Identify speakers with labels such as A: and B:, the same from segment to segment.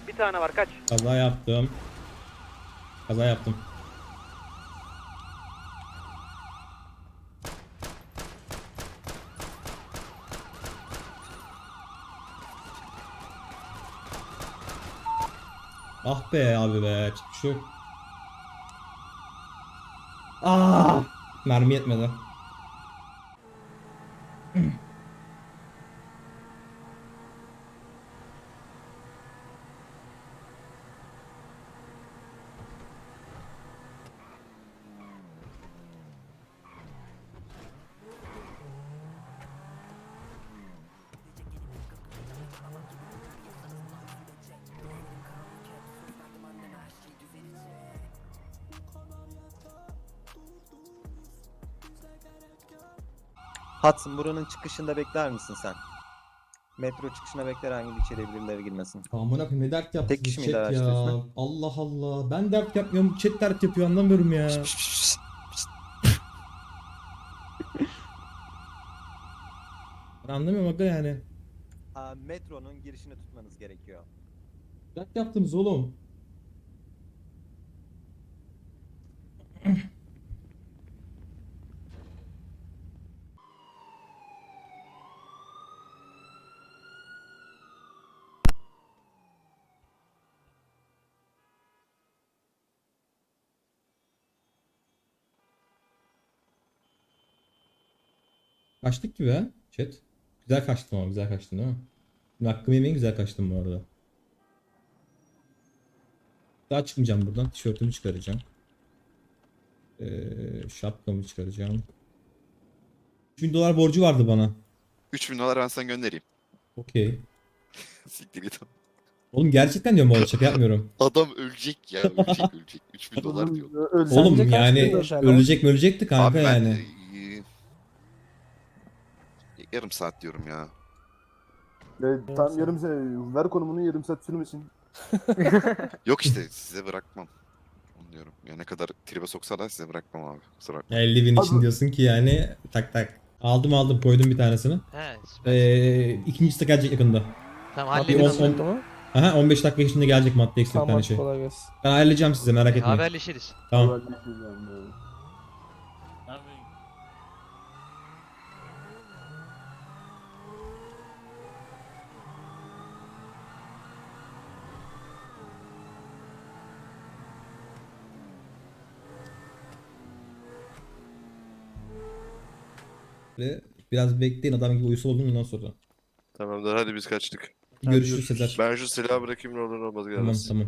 A: Bir tane var, kaç.
B: Kaza yaptım. Kaza yaptım. Ah be abi be. Şu. Ah! Mermi yetmedi.
C: Hudson buranın çıkışında bekler misin sen? Metro çıkışına bekler hangi bir içeriye birileri girmesin.
B: Amına koyayım ne dert yaptı
C: Tek
B: bu
C: kişi miydi
B: chat
C: araçta
B: ya.
C: üstüne?
B: Allah Allah. Ben dert yapmıyorum. Chat dert yapıyor, anlamıyorum ya. Ben anlamıyorum aga yani.
C: Metronun girişini tutmanız gerekiyor.
B: Dert yaptınız oğlum. Kaçtık gibi ha chat. Güzel kaçtım ama, güzel kaçtın değil mi? Şimdi hakkımı yemeyin, güzel kaçtım bu arada. Daha çıkmayacağım buradan. Tişörtümü çıkaracağım. Şapkamı çıkaracağım. 3000 dolar borcu vardı bana.
D: 3000 dolar ben sana göndereyim.
B: Okey.
D: Siktir git.
B: Oğlum gerçekten diyorum bu arada, şaka yapmıyorum.
D: Adam ölecek ya. Ölecek. 3000 dolar diyor.
B: Oğlum yani ölecek mi ölecekti kanka
D: Abi ben
B: yani.
D: yarım saat diyorum ya.
E: Tam yarım saat ver konumunu, yarım saat sürmesin.
D: Yok işte size bırakmam. Onu diyorum. Ya ne kadar tribe soksalar size bırakmam abi. Kusura bakma.
B: 50 bin için
E: Abi-
B: diyorsun ki yani tak tak. Aldım koydum bir tanesini.
F: He süper.
B: İkincisi de gelecek yakında.
F: Tamam
B: Abi,
F: halledin
B: on-
F: onu.
B: on- Aha 15 dakika içinde gelecek madde eksik bir tane şey. Ben ayarlayacağım size, merak etmeyin.
F: Haberleşiriz.
B: Tamam.
E: Haberleşiriz yani.
B: Biraz bekleyin, adam gibi uyusu oldum ondan sonra.
G: Tamamdır hadi biz kaçtık.
B: Görüşürüz Sezer.
G: Ben şu silahı bırakayım ne olur ne olmaz
B: Tamam
G: gelmez.
B: tamam.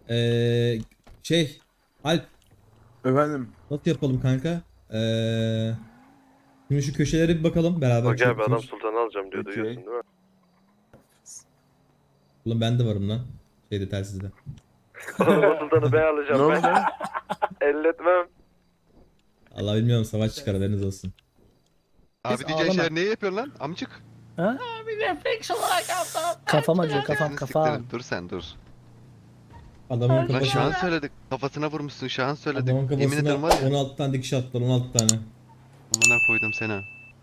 B: Şey Alp,
E: Efendim.
B: nasıl yapalım kanka? Şimdi şu köşelere bir bakalım beraber.
G: Bak abi adam
B: çöpümüz.
G: sultanı alacağım diyor
E: Okey.
G: duyuyorsun değil mi?
B: Ulan ben de varım lan. Şeyde, telsizde.
G: Oğlum sultanı ben
E: Ne
G: alacağım
E: oldu?
G: ben. Elletmem.
B: Allah bilmiyorum, savaş çıkar, haberiniz olsun.
H: Abi diyeceğin şeyler neyi yapıyorsun lan amcık?
I: Kafam acıyor kafam
H: Sesini
I: kafam.
H: siktirin, dur sen dur.
B: Adamın
H: Lan şu an
B: kafasına,
H: söyledik. Kafasına vurmuşsun şu an söyledik.
B: adamın
H: Yemin ederim var
B: kafasına
H: ya.
B: 16 tane dikiş attılar, 16 tane.
H: Amına koydum seni.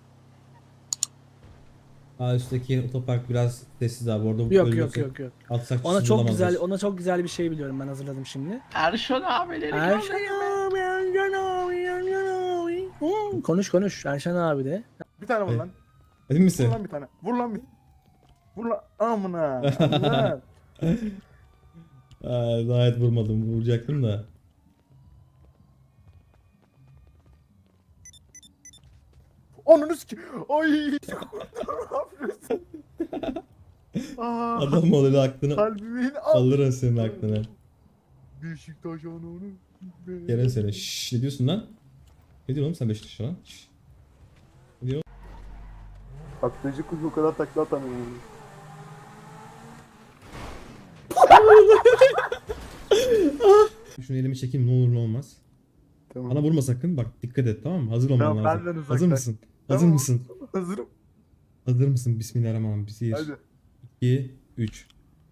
B: Daha üstteki otopark biraz sessiz abi, orada
I: Yok yok
B: ölüyorsun.
I: yok yok.
B: Atsak
I: Ona
B: sizi
I: çok
B: bulamazlar.
I: güzel ona çok güzel bir şey biliyorum, ben hazırladım şimdi.
A: Erşan abileri
I: Erşan abi, Erşan abi, Erşan abi. Konuş Erşan abi de.
E: Bir tane vur
B: Evet.
E: lan.
B: Emin
E: Vur
B: misin?
E: lan bir tane. Vur lan bir. Vur lan. Amına. Amına.
B: Gayet vurmadım, vuracaktım da.
E: Onunu siki. Ay. Ne yapıyorsun? Aa,
B: Adam oluyor aklını
E: kalbimin
B: alırım senin aklını.
E: Beşiktaş onu.
B: Gelen seni. Şşş, ne diyorsun lan? Ne diyorsun oğlum sen Beşiktaş'a lan? Şşş.
E: Atlayıcı kuş o kadar takla atamıyor.
B: Şunu elime çekeyim, ne olur ne olmaz.
E: Tamam.
B: Bana vurma sakın, bak dikkat et, tamam mı? Hazır olman
E: Tamam,
B: lazım.
E: benden
B: Hazır
E: uzaklaş.
B: mısın? Hazır
E: Tamam.
B: mısın?
E: Hazırım.
B: Hazır mısın? Bismillahirrahmanirrahim. 1,
E: Hadi.
B: 2, 3.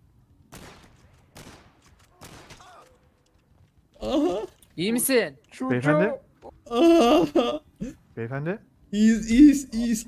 B: Aha!
A: İyi misin?
E: Beyefendi.
B: Aha!
E: Beyefendi.
B: İyiyiz.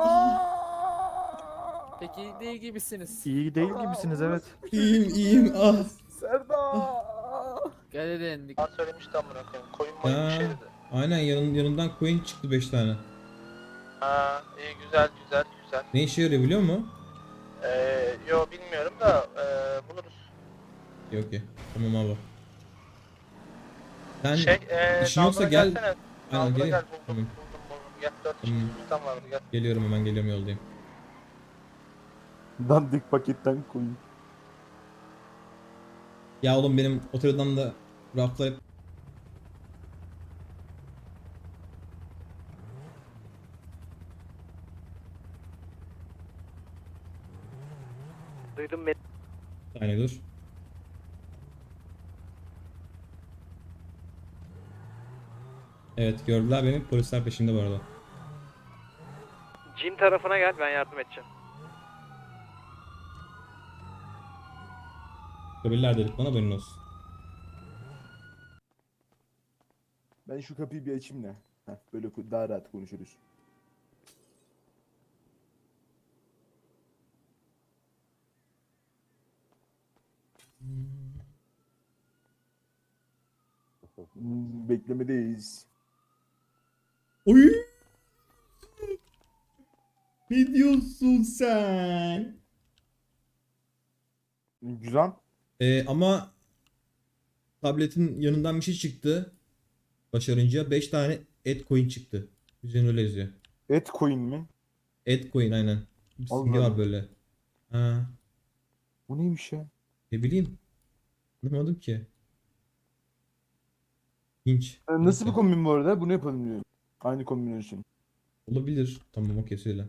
A: Peki değil gibisiniz.
E: İyi değil gibisiniz evet.
B: İyiyim. Ah!
E: Serdar.
A: Gel edin.
I: Ben söylemiştim amına koyayım. Koyun moyun bir
B: Ya,
I: şey dedi.
B: aynen yanından coin çıktı 5 tane.
I: Ha iyi güzel.
B: Ne işe yarıyor biliyor musun?
I: Yo bilmiyorum da buluruz.
B: Yok ki. Tamam abi. Sen
I: Şey
B: işin yoksa
I: Nalbur'a
B: gel.
I: gelsene.
B: Aynen,
I: Nalbur'a
B: geleyim.
I: gel
B: Tamam.
I: buldum. Gel 4
B: Tamam.
I: kişi tam vardı gel.
B: Geliyorum hemen geliyorum yoldayım.
E: Dandik paketten koyun.
B: Ya oğlum benim otelden da raflar hep
A: Duydum beni.
B: bir saniye dur. Evet gördüler beni, polisler peşimde bu arada.
A: Jim tarafına gel, ben yardım edeceğim.
B: Göbeliler dedik bana, haberin olsun.
E: Ben şu kapıyı bir açayım da. Heh, böyle daha rahat konuşuruz. Beklemedeyiz.
B: Oy! Ne diyorsun sen?
E: Güzel.
B: Ama tabletin yanından bir şey çıktı. Başarınca 5 tane Edcoin çıktı. Üzerine öyle yazıyor.
E: Et coin mi?
B: Edcoin aynen. Bir
E: Allah
B: simge var
E: Allah.
B: böyle. Ha,
E: Bu neymiş ya?
B: ne bileyim. Anlamadım ki. İlginç.
E: Nasıl
B: Neyse.
E: bir kombin bu arada? Bunu yapalım diyor. Aynı kombinasyon.
B: Olabilir. Tamam okey söyle.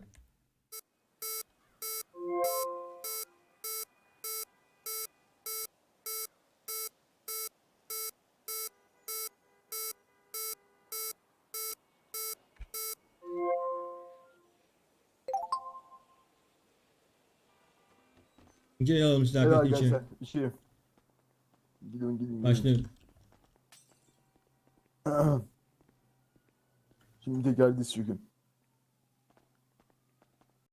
B: Gel alalım size
E: Helal
B: arkadaşın için.
E: gençler. İşi. Gidin.
B: Başlayalım.
E: Şimdi de geldi sürgün.